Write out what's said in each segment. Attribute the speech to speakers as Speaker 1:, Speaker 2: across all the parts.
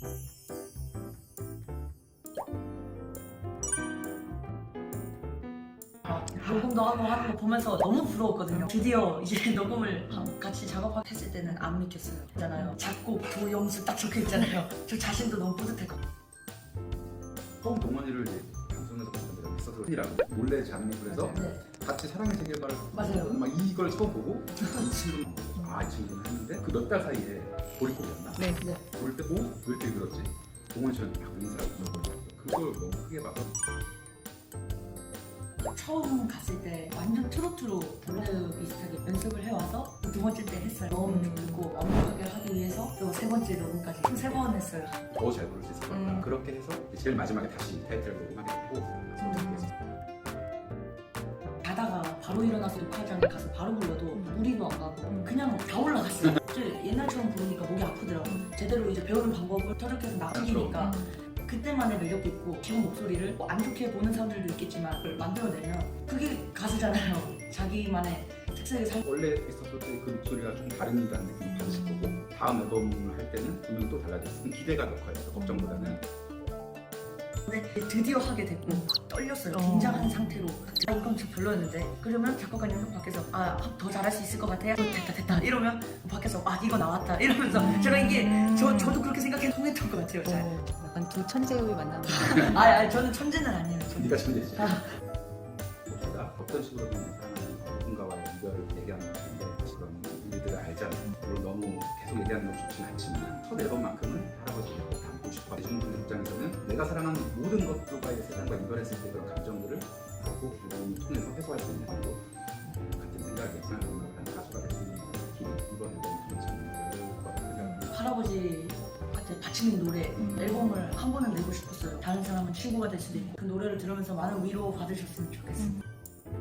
Speaker 1: 녹음도 하고 하는 거 보면서 너무 부러웠거든요. 드디어 이제 녹음을 같이 작업했을 때는 안 믿겼어요. 있잖아요. 작곡, 도영수 딱 적혀 있잖아요. 저 자신도 너무 뿌듯했거든요.
Speaker 2: 처음 동원이를 이제 방송에서 봤던 적이 있어서 이라고 몰래 잠입을 해서
Speaker 1: 네.
Speaker 2: 같이 사랑의 세계관을
Speaker 1: 맞아요.
Speaker 2: 막 이걸 처음 보고 이 친구는 이 친구는 했는데 그 몇 달 사이에 보릿고기였나?
Speaker 1: 네.
Speaker 2: 볼 때 왜 이렇게 그렇지? 동원이처럼 막 인사를 해서 그걸 너무 크게 봐서
Speaker 1: 처음 갔을 때 완전 트로트로 블루 비슷하게 연습을 해와서 두 번째 때 했어요. 너무 좋고 완벽하게 하기 위해서 또 세 번째 녹음까지 총 3번 했어요.
Speaker 2: 더 잘 부를 수 있을 것 같다. 그렇게 해서 제일 마지막에 다시 타이틀을 녹음하게 됐고
Speaker 1: 자다가 바로 일어나서 녹화장에 가서 바로 불러도 무리도 안 가고 그냥 다 올라갔어요. 옛날처럼 부르니까 목이 아프더라고요. 제대로 이제 배우는 방법을 터득해서 나가니까 그때만의 매력도 있고 기본 목소리를 안 좋게 보는 사람들도 있겠지만 그걸 만들어내면 그게 가수잖아요. 자기만의 특색을
Speaker 2: 원래 있었을 때 그 목소리가 좀 다른다는 느낌이 받으실 거고 다음 앨범을 할 때는 분명 또 달라졌어요. 기대가 더 커요. 걱정보다는.
Speaker 1: 근데 드디어 하게 됐고 떨렸어요. 긴장한 상태로 이건 좀 별로였는데 그러면 작곡가님 밖에서 더 잘할 수 있을 것 같아요. 됐다 이러면 밖에서 이거 나왔다 이러면서 제가 이게 저도 그렇게 생각해 통했던 것 같아요. 잘.
Speaker 3: 약간 두 천재의 만남.
Speaker 1: 저는 천재는 아니에요.
Speaker 2: 네가 천재지. 봅시다. 어떤 식으로 사랑하는 누군가와의 이별을 얘기하는 건데 그런 일들을 알잖아요. 물론 너무 계속 얘기하는 건 좋진 않지만 첫 앨범만큼은 할아버지를 꼭 담고 싶어. 대중분들 입장에서는 내가 사랑하는 모든 것들과의 세상과 이별했을 때 그런 감정들을 꼭 앨범을 통해서 해소할 수 있는 정도 같은 생각에 생각하는 가수가 될 수 있는 길이 이번 앨범을 통해서 열릴 거라고 생각합니다.
Speaker 1: 할아버지한테 바치는 노래 앨범을 한 번은 내고 싶었어요. 다른 사람은 친구가 될 수도 있고 그 노래를 들으면서 많은 위로 받으셨으면 좋겠어요.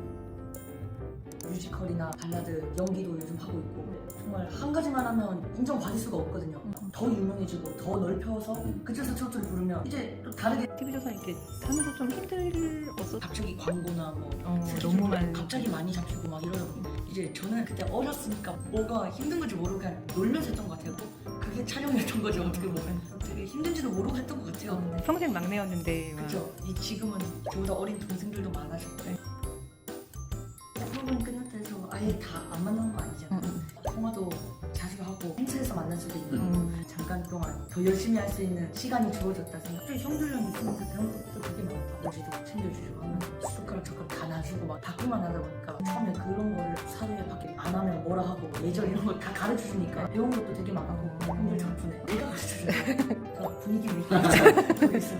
Speaker 1: 뮤지컬이나 발라드, 연기도 요즘 하고 있고 정말 한 가지만 하면 인정받을 수가 없거든요. 더 유명해지고 더 넓혀서 그쪽에서 트로트를 부르면 이제 또 다르게
Speaker 3: TV조사 이렇게 하면서 좀 힘들었어.
Speaker 1: 갑자기 광고나 뭐
Speaker 3: 너무 많이
Speaker 1: 갑자기 많이 잡히고 막 이러다 보니 이제 저는 그때 어렸으니까 뭐가 힘든 건지 모르고 그냥 놀면서 했던 것 같아요. 그게 촬영이었던 거죠. 어떻게 보면 되게 힘든지도 모르고 했던 것 같아요.
Speaker 3: 평생 막내였는데.
Speaker 1: 그렇죠. 지금은 저보다 어린 동생들도 많아졌고 프로그램 끝났다 해서 아예 다 안 만나는 거 아니잖아요. 통화도 자주 하고 행사에서 만날 수도 있고 잠깐 동안 더 열심히 할 수 있는 시간이 주어졌다 생각. 갑자기 형들이랑 있으면서 배운 것도 되게 많고 아버지도 챙겨주시고 하면서 숟가락 젓가락 다 놔주고 막 바꾸만 하다 보니까 처음에 그런 거를 사료에 밖에 안 하면 뭐라 하고 예절 이런 거 다 가르쳐주니까 배운 것도 되게 많고 형들 덕분에 내가 가르쳐주니까 분위기 위기 있어요.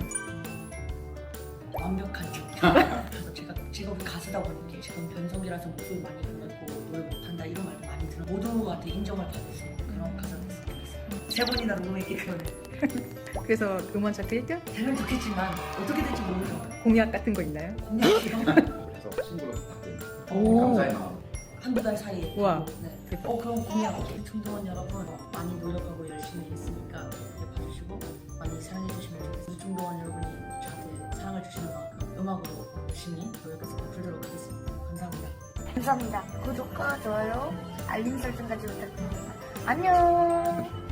Speaker 1: 완벽한 척. 그래서 제가 직업이 가수다 보니까 지금 변성기라서 목소리 많이 불렀고 노래 못한다 이런 말도 많이 들어 모두한테 인정을 받을 수 있는 그런 가수가 됐으면 좋겠어요. 3번이나 녹음했기 때문에
Speaker 3: 그래서 음원 차트 1등?
Speaker 1: 되면 좋겠지만 어떻게 될지 모르죠.
Speaker 3: 공약 같은 거 있나요?
Speaker 1: 공약이요?
Speaker 2: 그래서 친구가 부탁드린
Speaker 3: 오.
Speaker 2: 감사의 마음.
Speaker 1: 한두 달 사이에
Speaker 3: 우와.
Speaker 1: 네. 그럼 공약 중동원 여러분 많이 노력하고 열심히 했으니까 봐주시고 많이 사랑해주시면 좋겠어요. 중동원 여러분이 저한테 사랑을 주시는 만큼 음악으로 열심히 노력해서 베풀도록 하겠습니다. 감사합니다.
Speaker 4: 감사합니다. 구독과 좋아요, 알림 설정까지 부탁드립니다. 안녕.